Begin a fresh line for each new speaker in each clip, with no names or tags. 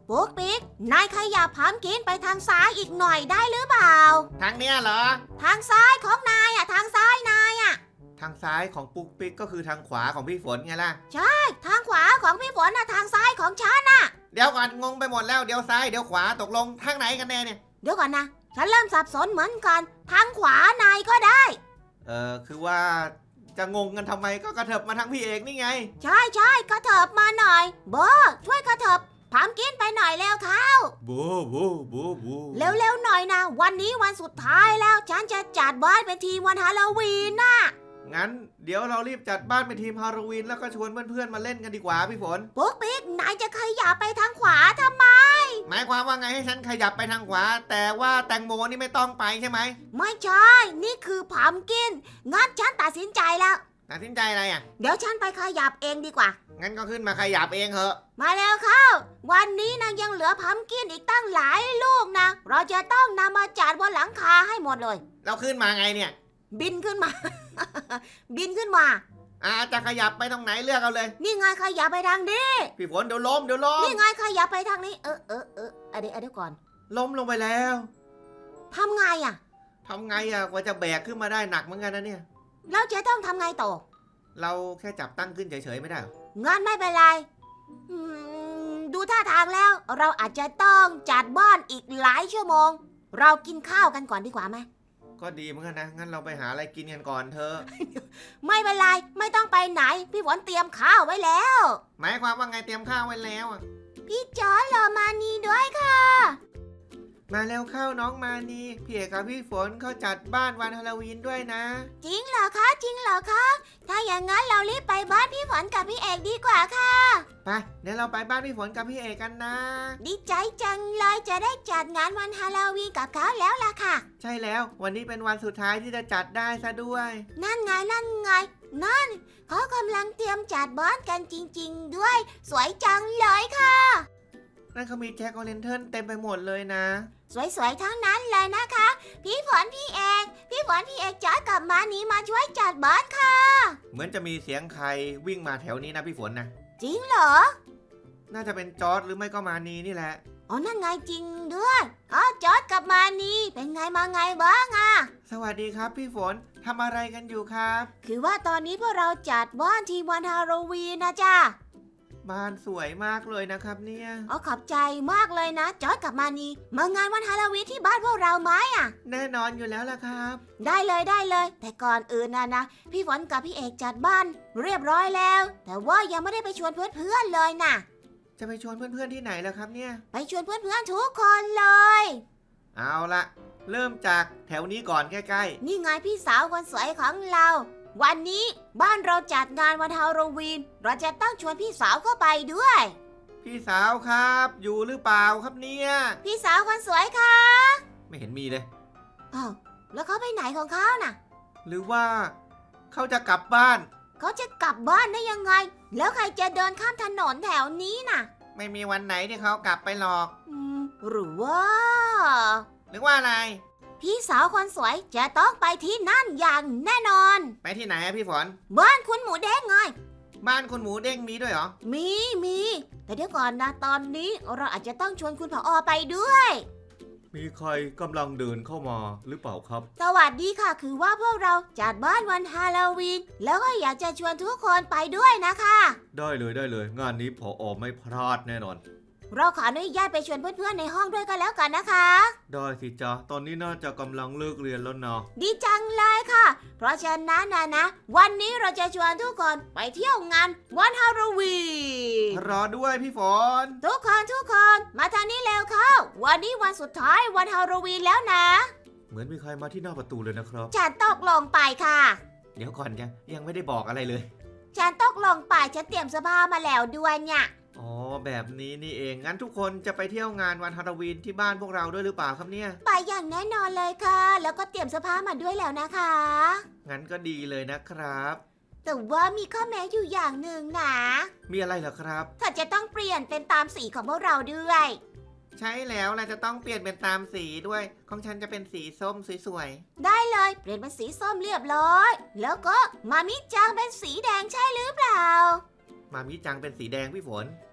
ปุ๊กปิ๊กนายขยับพัมกินไปทางซ้ายอีกหน่อยได้หรือเปล่า
ทางเนี้ยเหรอ
ทางซ้ายของนายอะทางซ้ายนายอะ
ทางซ้ายของปุ๊กปิ๊กก็คือทางขวาของพี่ฝนไงล่ะ
ใช่ทางขวาของพี่ฝนนะทางซ้ายของฉันน่ะ
เดี๋ยวก่อนงงไปหมดแล้วเดี๋ยวซ้ายเดี๋ยวขวาตกลงทางไหนกันแน่เนี่ย
เดี๋ยวก่อนนะฉันเริ่มสับสนเหมือนกันทางขวานายก็ได้
คือว่าจะงงกันทำไมก็กระเถิบมาทางพี่เอกนี่ไง
ใช่ใช่กระเถิบมาหน่อยโบช่วยกระเถิบพัมกินไปหน่อยแล้วเข้า
บู
เร็วๆหน่อยนะวันนี้วันสุดท้ายแล้วฉันจะจัดบ้านเป็นทีมวันฮาโลวีนน่ะ
งั้นเดี๋ยวเรารีบจัดบ้านเป็นทีมฮาโลวีนแล้วก็ชวนเพื่อนๆมาเล่นกันดีกว่าพี่ฝน
ปุ๊กปิ๊กนายจะขยับไปทางขวาทำไม
หมายความว่าไงให้ฉันขยับไปทางขวาแต่ว่าแตงโมนี่ไม่ต้องไปใช่ไหม
ไม่ใช่นี่คือพัมกินงั้นฉันตัดสินใจแล้ว
ตัดสินใจอะไรอ่ะ
เดี๋ยวฉันไปขยับเองดีกว่า
งั้นก็ขึ้นมาขยับเองเหอะ
มาแล้วเข้าวันนี้นะยังเหลือพัมกินอีกตั้งหลายลูกนะเราจะต้องนำมาจัดบนหลังคาให้หมดเลย
เราขึ้นมาไงเนี่ย
บินขึ้นมา บินขึ้นมา
จะขยับไปตรงไหนเลือกเอาเลย
นี่ไงขยับไปทางนี้
พี่ฝนเดี๋ยวล้ม
นี่ไงขยับไปทางนี้เดี๋ยวก่อน
ล้มลงไปแล้ว
ทำไงอ่ะ
กว่าจะแบกขึ้นมาได้หนักเหมือนกันนะเนี่ย
เราจะต้องทำไงต่อ
เราแค่จับตั้งขึ้นเฉยๆไม่ได้หรอ
งั้นไม่เป็นไรดูท่าทางแล้วเราอาจจะต้องจัดบ้านอีกหลายชั่วโมงเรากินข้าวกันก่อนดีกว่าไหม
ก็ดีเหมือนกันนะงั้นเราไปหาอะไรกินกันก่อนเถอะ
ไม่เป็นไรไม่ต้องไปไหนพี่ฝนเตรียมข้าวไว้แล้ว
หมายความว่าไงเตรียมข้าวไว้แล้วอ่ะ
พี่จอร์จรอมานีด้วยค่ะ
มาแล้วเข้าน้องมานีพี่เอกกับพี่ฝนเขาจัดบ้านวันฮาโลวีนด้วยนะ
จริงเหรอคะถ้าอย่างนั้นเรารีบไปบ้านพี่ฝนกับพี่เอกดีกว่าค่ะ
ไปเดี๋ยวเราไปบ้านพี่ฝนกับพี่เอกกันนะ
ดีใจจังเลยจะได้จัดงานวันฮาโลวีนกับเขาแล้วล่ะค่ะ
ใช่แล้ววันนี้เป็นวันสุดท้ายที่จะจัดได้ซะด้วย
นั่นไงนั่นเขากำลังเตรียมจัดบ้านกันจริงๆด้วยสวยจังเลยค่ะ
นั่นเขามีแจ็คโอเลนเทิร์นเต็มไปหมดเลยนะ
สวยๆทั้งนั้นเลยนะคะพี่ฝนพี่เอกจอร์จกับมานีมาช่วยจัดบ้านค่ะ
เหมือนจะมีเสียงใครวิ่งมาแถวนี้นะพี่ฝนนะ
จริงเหรอ
น่าจะเป็นจอร์จหรือไม่ก็มานีนี่แหละ
อ๋อนั่นไงจริงด้วยจอร์จกับมานีเป็นไงมาไงบ้างอ่ะ
สวัสดีครับพี่ฝนทำอะไรกันอยู่ครับ
คือว่าตอนนี้พวกเราจัดบ้านทีมวันฮาโลวีนนะจ๊ะ
บ้านสวยมากเลยนะครับเนี่ย
ขอบใจมากเลยนะจอร์จกับมานีมางานวันฮาโลวีนที่บ้านพวกเราไหมอ่ะ
แน่นอนอยู่แล้วล่ะครับ
ได้เลยแต่ก่อนอื่นนะพี่ฝนกับพี่เอกจัดบ้านเรียบร้อยแล้วแต่ว่ายังไม่ได้ไปชวนเพื่อนๆเลยนะ
จะไปชวนเพื่อนๆที่ไหนล่ะครับเนี่ย
ไปชวนเพื่อนๆทุกคนเลย
เอาละเริ่มจากแถวนี้ก่อนใกล้
ๆนี่ไงพี่สาวคนสวยของเราวันนี้บ้านเราจัดงานวันฮาโลวีนเราจะต้องชวนพี่สาวเข้าไปด้วย
พี่สาวครับอยู่หรือเปล่าครับเนี่ย
พี่สาวคนสวยค่ะ
ไม่เห็นมีเลย
แล้วเขาไปไหนของเขาน่ะ
หรือว่าเขาจะกลับบ้าน
เขาจะกลับบ้านได้ยังไงแล้วใครจะเดินข้ามถนนแถวนี้น่ะ
ไม่มีวันไหนที่เขากลับไปหรอก
หรือว่า
อะไร
พี่สาวคนสวยจะต้องไปที่นั่นอย่างแน่นอน
ไปที่ไหนพี่ฝน
บ้านคุณหมูเด้งไง
บ้านคุณหมูเด้งมีด้วยเหรอ
มีแต่เดี๋ยวก่อนนะตอนนี้เราอาจจะต้องชวนคุณผอ.ไปด้วย
มีใครกำลังเดินเข้ามาหรือเปล่าครับ
สวัสดีค่ะคือว่าพวกเราจัดบ้านวันฮาโลวีนแล้วก็อยากจะชวนทุกคนไปด้วยนะคะ
ได้เลยงานนี้ผอ.ไม่พลาดแน่นอน
เราขออนุญาตไปชวนเพื่อนๆในห้องด้วยกันแล้วกันนะคะ
ได้สิจ๊ะตอนนี้น่าจะกำลังเลิกเรียนแล้วนะ
ดีจังเลยค่ะเพราะฉะนั้นนะวันนี้เราจะชวนทุกคนไปเที่ยวงานวันฮาโลวีน
รอด้วยพี่ฝน
ทุกคนมาทางนี้แล้วเข้าวันนี้วันสุดท้ายวันฮาโลวีนแล้วนะ
เหมือนมีใครมาที่หน้าประตูเลยนะครับ
ฉันตกลงไปค่ะ
เดี๋ยวก่อนยังไม่ได้บอกอะไรเลย
ฉันตกลงไปฉันเตรียมเสื้อผ้ามาแล้วด้วยเนี่ย
อ๋อแบบนี้นี่เองงั้นทุกคนจะไปเที่ยวงานวันฮาโลวีนที่บ้านพวกเราด้วยหรือเปล่าครับเนี่ย
ไปอย่างแน่นอนเลยค่ะแล้วก็เตรียมเสื้อผ้ามาด้วยแล้วนะคะ
งั้นก็ดีเลยนะครับ
แต่ว่ามีข้อแม้อยู่อย่างหนึ่งนะ
มีอะไรเหรอครับ
ถ้าจะต้องเปลี่ยนเป็นตามสีของพวกเราด้วย
ใช่แล้วเราจะต้องเปลี่ยนเป็นตามสีด้วยของฉันจะเป็นสีส้มสวย
ๆได้เลยเปลี่ยนเป็นสีส้มเรียบร้อยแล้วก็มามิจังเป็นสีแดงใช่หรือเปล่า
มามิจังเป็นสีแดงพี่ฝน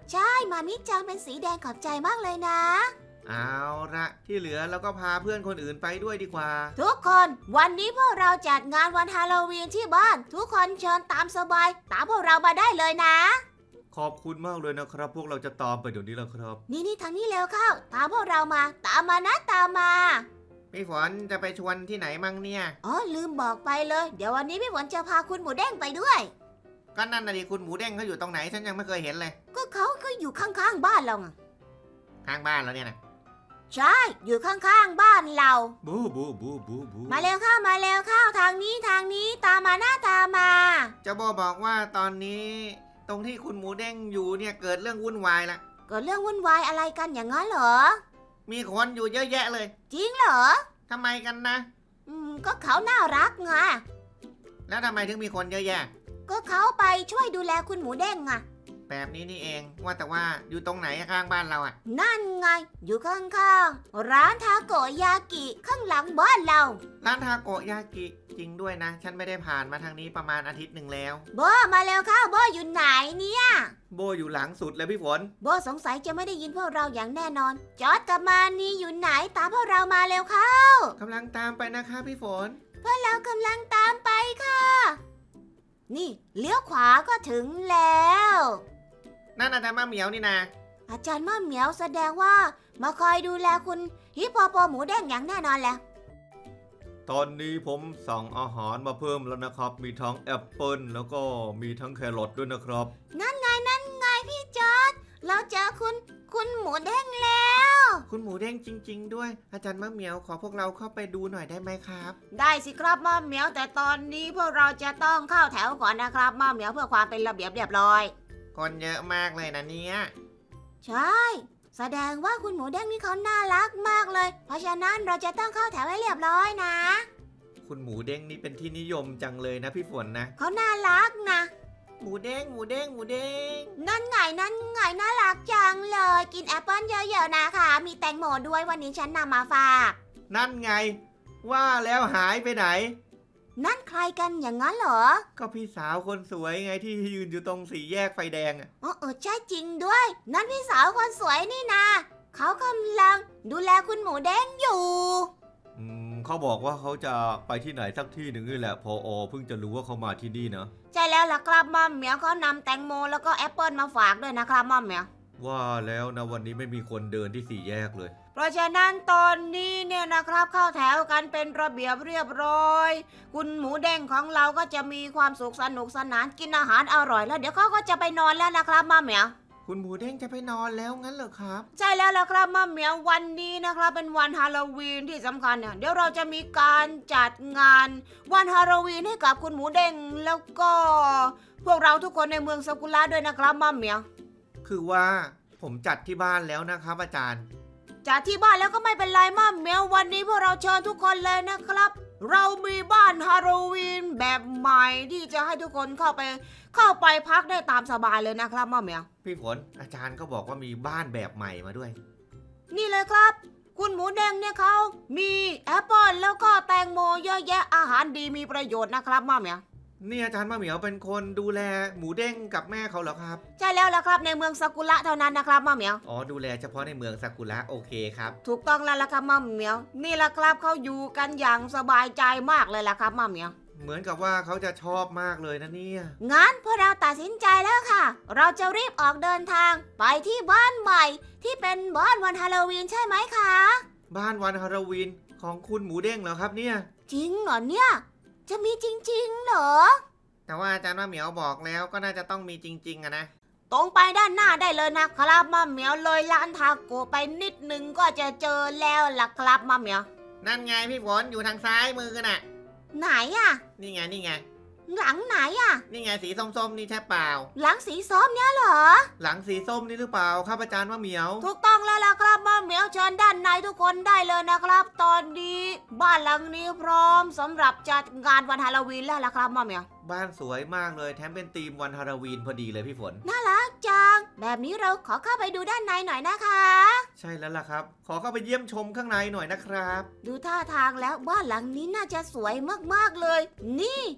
ใช่มามิจังเป็นสีแดงขอบใจมากเลยนะ
เอาละที่เหลือเราก็พาเพื่อนคนอื่นไปด้วยดีกว่า
ทุกคนวันนี้พวกเราจัดงานวันฮาโลวีนที่บ้าน ทุกคนเชิญตามสบายตามพวกเรามาได้เลยนะ
ขอบคุณมากเลยนะครับ พวกเราจะตามไปเดี๋ยวนี้แล้วครับ
นี่ทางนี้เร็วเข้า ตามพวกเรามาตามมานะตามมา
พี่ฝนจะไปชวนที่ไหนมั่งเนี่ย
อ๋อลืมบอกไปเลย เดี๋ยววันนี้พี่ฝนจะพาคุณหมูเด้งไปด้วย
ก็นั่นน่ะดิคุณหมูเด้งเขาอยู่ตรงไหนฉันยังไม่เคยเห็นเลย
ก็เขาก็อยู่ข้างๆบ้านเราไง
ข้างบ้านเราเนี่ยนะ
ใช่อยู่ข้างๆบ้านเรา
บูบูบูบูบู
มาเร็วเข้ามาเร็วเข้าทางนี้ตามมาหน้าตามมา
เจ้าโบบอกว่าตอนนี้ตรงที่คุณหมูเด้งอยู่เนี่ยเกิดเรื่องวุ่นวายละ
เกิดเรื่องวุ่นวายอะไรกันอย่างนั้นเหรอ
มีคนอยู่เยอะแยะเลย
จริงเหรอ
ทำไมกันนะ
ก็เขาน่ารักไง
แล้วทำไมถึงมีคนเยอะแยะ
ก็เขาไปช่วยดูแลคุณหมูเด้งไง
แบบนี้นี่เองว่าแต่ว่าอยู่ตรงไหนข้างบ้านเราอะ
นั่นไง อยู่ข้างๆร้านทาโกยากิข้างหลังบ้านเรา
ร้านทาโกยากิจริงด้วยนะ ฉันไม่ได้ผ่านมาทางนี้ประมาณอาทิตย์หนึ่งแล้ว
โบมาเร็วเข้าโบอยู่ไหนเนี่ย
โบอยู่หลังสุดเลยพี่ฝน
โบสงสัยจะไม่ได้ยินพวกเราอย่างแน่นอน จอร์จกับมานี่อยู่ไหนตามพวกเรามาเร็วเข้าก
ำลังตามไปนะคะพี่ฝน
พวกเรากำลังตามไปค่ะ นี่เลี้ยวขวาก็ถึงแล้ว
นั่นอาจารย์มะเหมียวนี่นะ
อาจารย์ม่าเหมียวแสดงว่ามาคอยดูแลคุณฮิปโปโปหมูแดงอย่างแน่นอนแหละ
ตอนนี้ผมสั่งอาหารมาเพิ่มแล้วนะครับ มีทั้งแอปเปิลแล้วก็มีทั้งแครอทด้วยนะครับ
นั่นไงพี่จอร์จเราเจอคุณหมูแดงแล้ว
คุณหมูเด้งจริง ๆ ด้วย อาจารย์มะเหมียวขอพวกเราเข้าไปดูหน่อยได้ไหมครับ
ได้สิครับม่าเหมียวแต่ตอนนี้พวกเราจะต้องเข้าแถวก่อนนะครับม่าเหมียวเพื่อความเป็นระเบียบเรียบร้อย
คนเยอะมากเลยนะเนี่ย
ใช่ แสดงว่าคุณหมูแดงนี่เขาน่ารักมากเลย เพราะฉะนั้นเราจะต้องเข้าแถวให้เรียบร้อยนะ
คุณหมูเด้งนี่เป็นที่นิยมจังเลยนะพี่ฝนนะ
เขาน่ารักนะ
หมูเด้งหมูเด้งหมูเด้ง
นั่นไงน่ารักจังเลย กินแอปเปิ้ลเยอะๆนะคะ มีแตงโมด้วยวันนี้ฉันนำมาฝาก
นั่นไง ว่าแล้วหายไปไหน
นั่นใครกันอย่างนั้นเหรอ
ก็พี่สาวคนสวยไงที่ยืนอยู่ตรงสี่แยกไฟแดงอะ
ใช่จริงด้วย นั่นพี่สาวคนสวยนี่นะเขากำลังดูแลคุณหมูแดงอยู่
เขาบอกว่าเขาจะไปที่ไหนสักที่หนึ่งนี่แหละพอเพิ่งจะรู้ว่าเขามาที่นี่นะ
ใช่แล้วล่ะครับม่อมเหมียวเขานำแตงโมแล้วก็แอปเปิลมาฝากด้วยนะครับม่อมเหมียว
ว่าแล้วนะวันนี้ไม่มีคนเดินที่สี่แยกเลย
เพราะฉะนั้นตอนนี้เนี่ยนะครับเข้าแถวกันเป็นระเบียบเรียบร้อย คุณหมูแดงของเราก็จะมีความสุขสนุกสนานกินอาหารอร่อยแล้วเดี๋ยวเขาก็จะไปนอนแล้วนะครับม่อมเหมียว
คุณหมูเด้งจะไปนอนแล้วงั้นเหรอครับ
ใช่แล้วล่ะครับม่อมเหมียววันนี้นะครับเป็นวันฮาโลวีนที่สำคัญเนี่ยเดี๋ยวเราจะมีการจัดงานวันฮาโลวีนให้กับคุณหมูเด้งแล้วก็พวกเราทุกคนในเมืองซากุระด้วยนะครับม่อมเหมียว
คือว่าผมจัดที่บ้านแล้วนะครับอาจารย์
จากที่บ้านแล้วก็ไม่เป็นไรม่อมเหมียววันนี้พวกเราเชิญทุกคนเลยนะครับ เรามีบ้านฮาโลวีนแบบใหม่ที่จะให้ทุกคนเข้าไปพักได้ตามสบายเลยนะครับม่อมเหมียว
พี่ฝนอาจารย์ก็บอกว่ามีบ้านแบบใหม่มาด้วย
นี่เลยครับ คุณหมูแดงเนี่ยเขามีแอปเปิลแล้วก็แตงโมเยอะแยะอาหารดีมีประโยชน์นะครับม่อมเหมียว
นี่อาจารย์มะเหมียวเป็นคนดูแลหมูเด้งกับแม่เขาเหรอครับ
ใช่แล้วล่ะครับในเมืองซากุระเท่านั้นนะครับม่อมเหมียว
อ๋อดูแลเฉพาะในเมืองซากุระโอเคครับ
ถูกต้องแล้วล่ะครับม่อมเหมียวนี่แหละครับเขาอยู่กันอย่างสบายใจมากเลยล่ะครับม่อมเหมียว
เหมือนกับว่าเขาจะชอบมากเลยนะเนี่ย
งั้นพวกเราตัดสินใจแล้วค่ะ เราจะรีบออกเดินทางไปที่บ้านใหม่ที่เป็นบ้านวันฮาโลวีนใช่ไหมคะ
บ้านวันฮาโลวีนของคุณหมูเด้งเหรอครับเนี่ย
จริงเหรอเนี่ยจะมีจริงๆเหรอ
แต่ว่าอาจารย์มะเหมียวบอกแล้วก็น่าจะต้องมีจริงๆอะนะ
ตรงไปด้านหน้าได้เลยนะครับม่อมเหมียวเลยร้านทาโกไปนิดนึงก็จะเจอแล้วล่ะครับม่อมเหมียว
นั่นไงพี่ฝนอยู่ทางซ้ายมือน่ะ
ไหนอะ
นี่ไงนี่ไง
หลังไหนอะ
นี่ไงสีส้มๆนี่ใช่เปล่า
หลังสีส้มเนี่ยเหรอ
หลังสีส้มนี่หรือเปล่าครับอาจารย์มะเหมียว
ถูกต้องแล้วล่ะครับม่อมเหมียวเชิญด้านในทุกคนได้เลยนะครับ ตอนนี้บ้านหลังนี้พร้อมสำหรับจัดงานวันฮาโลวีนแล้วล่ะครับม่อมเหมียว
บ้านสวยมากเลยแถมเป็นธีมวันฮาโลวีนพอดีเลยพี่ฝน
น่ารักจังแบบนี้เราขอเข้าไปดูด้านในหน่อยนะคะ
ใช่แล้วล่ะครับ ขอเข้าไปเยี่ยมชมข้างในหน่อยนะครับ
ดูท่าทางแล้วบ้านหลังนี้น่าจะสวยมากๆเลย นี่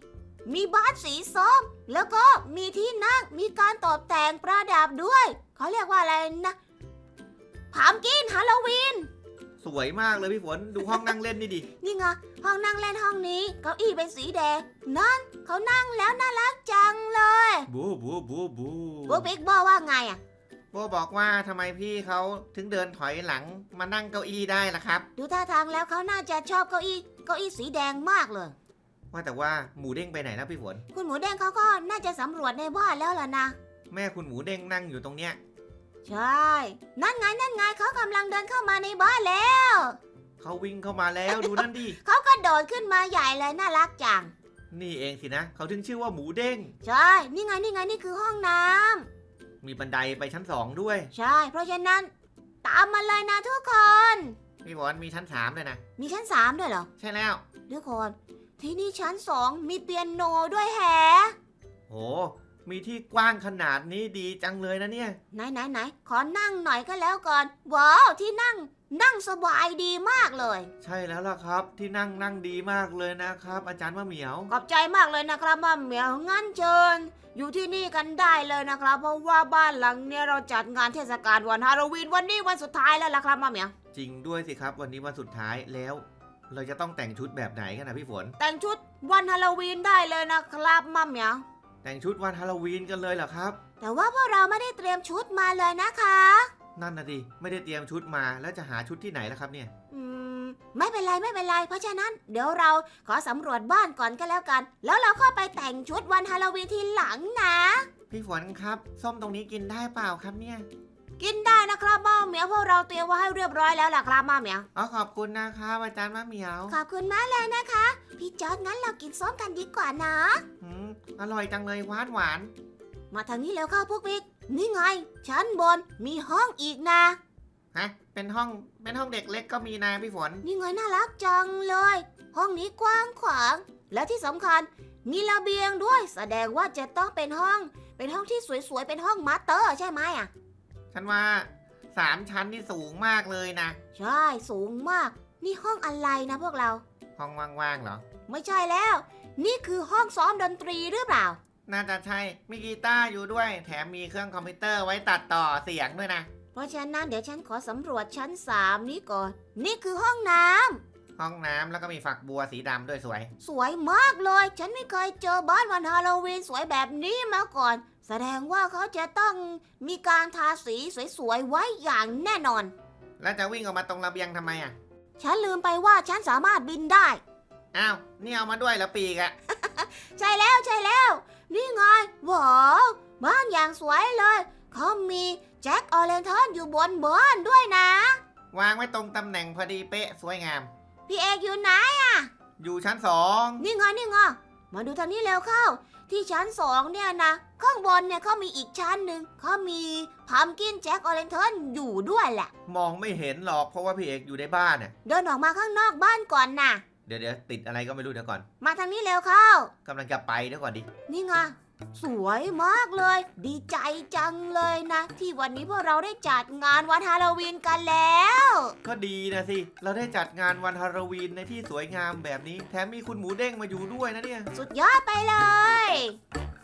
มีบ้านสีส้มแล้วก็มีที่นั่งมีการตกแต่งประดับด้วยเขาเรียกว่าอะไรนะพัมกินฮาโลวีน
สวยมากเลยพี่ฝนดูห้องนั่งเล่นนี่ดิ
นี่ไงห้องนั่งเล่นห้องนี้เก้าอี้เป็นสีแดงนั่นเขานั่งแล้วน่ารักจังเลย
บูบูบูบู
พวกบิ๊กบอกว่าไงอ่ะ
โบบอกว่าทำไมพี่เขาถึงเดินถอยหลังมานั่งเก้าอี้ได้ล่ะครับ
ดูท่าทางแล้วเขาน่าจะชอบเก้าอี้สีแดงมากเลย
ว่าแต่ว่าหมูเด้งไปไหนแล้วพี่ฝน
คุณหมูแดงเขาก็น่าจะสำรวจในบ้านแล้วล่ะนะ
แม่คุณหมูเด้งนั่งอยู่ตรงเนี้ย
ใช่นั่นไงเขากำลังเดินเข้ามาในบ้านแล้ว
เขาวิ่งเข้ามาแล้วดูนั่นดิ
เขาก็โดดขึ้นมาใหญ่เลยน่ารักจัง
นี่เองสินะเขาถึงชื่อว่าหมูเด้ง
ใช่นี่ไงนี่คือห้องน้ำ
มีบันไดไปชั้น2ด้วย
ใช่เพราะฉะนั้นตามมาเลยนะทุกคน
พี่ฝนมีชั้น3เลยนะ
มีชั้น3ด้วยเหรอ
ใช่แล้ว
ทุกคนที่นี่ชั้น2มีเปียโนด้วยแฮะ
โหมีที่กว้างขนาดนี้ดีจังเลยนะเนี่ย
ไหนขอนั่งหน่อยก็แล้วก่อนว้าวที่นั่งสบายดีมากเลย
ใช่แล้วล่ะครับที่นั่งดีมากเลยนะครับ อาจารย์มะเหมียว
ขอบใจมากเลยนะครับมาเหมียวงั้นเชิญอยู่ที่นี่กันได้เลยนะครับ เพราะว่าบ้านหลังเนี้ยเราจัดงานเทศกาลวันฮาโลวีนวันนี้วันสุดท้ายแล้วล่ะครับมาเหมียว
จริงด้วยสิครับวันนี้วันสุดท้ายแล้ว เราจะต้องแต่งชุดแบบไหนกันนะพี่ฝน
แต่งชุดวันฮาโลวีนได้เลยนะครับมาเหมียว
แต่งชุดวันฮาโลวีนกันเลยเหรอครับ
แต่ว่าพวกเราไม่ได้เตรียมชุดมาเลยนะคะ
นั่นนะดิไม่ได้เตรียมชุดมาแล้วจะหาชุดที่ไหนล่ะครับเนี่ย
ไม่เป็นไรเพราะฉะนั้นเดี๋ยวเราขอสำรวจบ้านก่อนก็แล้วกัน แล้วเราค่อยไปแต่งชุดวันฮาโลวีนทีหลังนะ
พี่ฝนครับส้มตรงนี้กินได้เปล่าครับเนี่ย
กินได้นะครับมาเหมียวพวกเราเตรียมไว้ให้เรียบร้อยแล้วล่ะครับมาเหมียว
อ๋อขอบคุณนะครับอาจารย์มะเหมียว
ขอบคุณมากเลยนะคะ พี่จอร์ดงั้นเรากินส้มกันดีกว่านะ
อร่อยจังเลยหวาน
มาทางนี้แล้วเข้าพวกบิ๊กนี่ไงชั้นบนมีห้องอีกนะ
ฮะเป็นห้องเด็กเล็กก็มีนะพี่ฝน
นี่ไงน่ารักจังเลย ห้องนี้กว้างขวาง และที่สำคัญมีระเบียงด้วย แสดงว่าจะต้องเป็นห้องที่สวยๆเป็นห้องมาสเตอร์ใช่ไหมอ่ะ
ฉันว่า3 ชั้นนี่สูงมากเลยนะ
ใช่สูงมาก นี่ห้องอะไรนะพวกเรา
ห้องว่างๆเหรอ
ไม่ใช่แล้ว นี่คือห้องซ้อมดนตรีหรือเปล่า
น่าจะใช่มีกีตาร์อยู่ด้วย แถมมีเครื่องคอมพิวเตอร์ไว้ตัดต่อเสียงด้วยนะ
เพราะฉะนั้นเดี๋ยวฉันขอสำรวจชั้น3นี้ก่อน นี่คือห้องน้ำ
ห้องน้ำแล้วก็มีฝักบัวสีดำด้วยสวย
สวยมากเลย ฉันไม่เคยเจอบ้านวันฮาโลวีนสวยแบบนี้มาก่อน แสดงว่าเขาจะต้องมีการทาสีสวยๆไว้อย่างแน่นอน
แล้วจะวิ่งออกมาตรงระเบียงทำไมอ่ะ
ฉันลืมไปว่าฉันสามารถบินได้
อ้าวนี่เอามาด้วยเหรอปีกอะ
ใช่แล้ว นี่ไงว้าว บ้านอย่างสวยเลย เขามีแจ็คออเรนทอนอยู่บนบ้านด้วยนะ
วางไว้ตรงตำแหน่งพอดีเป๊ะสวยงาม
พี่เอกอยู่ไหน
อยู่ชั้น2
นี่ไงมาดูทางนี้เร็วเข้า ที่ชั้น2เนี่ยนะ ข้างบนเนี่ยเขามีอีกชั้นหนึ่งเขามีพัมกินแจ็คออเรนทอนอยู่ด้วยแหละ
มองไม่เห็นหรอกเพราะว่าพี่เอกอยู่ในบ้านน่ะ
เดินออกมาข้างนอกบ้านก่อนนะ
เดี๋ยวติดอะไรก็ไม่รู้เดี๋ยวก่อน
มาทางนี้เร็วเข้า
กำลังจะไปเดี๋ยวก่อนดิ
นี่ไงสวยมากเลย ดีใจจังเลยนะ ที่วันนี้พวกเราได้จัดงานวันฮาโลวีนกันแล้ว
ก็ดีนะสิเราได้จัดงานวันฮาโลวีนในที่สวยงามแบบนี้ แถมมีคุณหมูเด้งมาอยู่ด้วยนะเนี่ย
สุดยอดไปเลย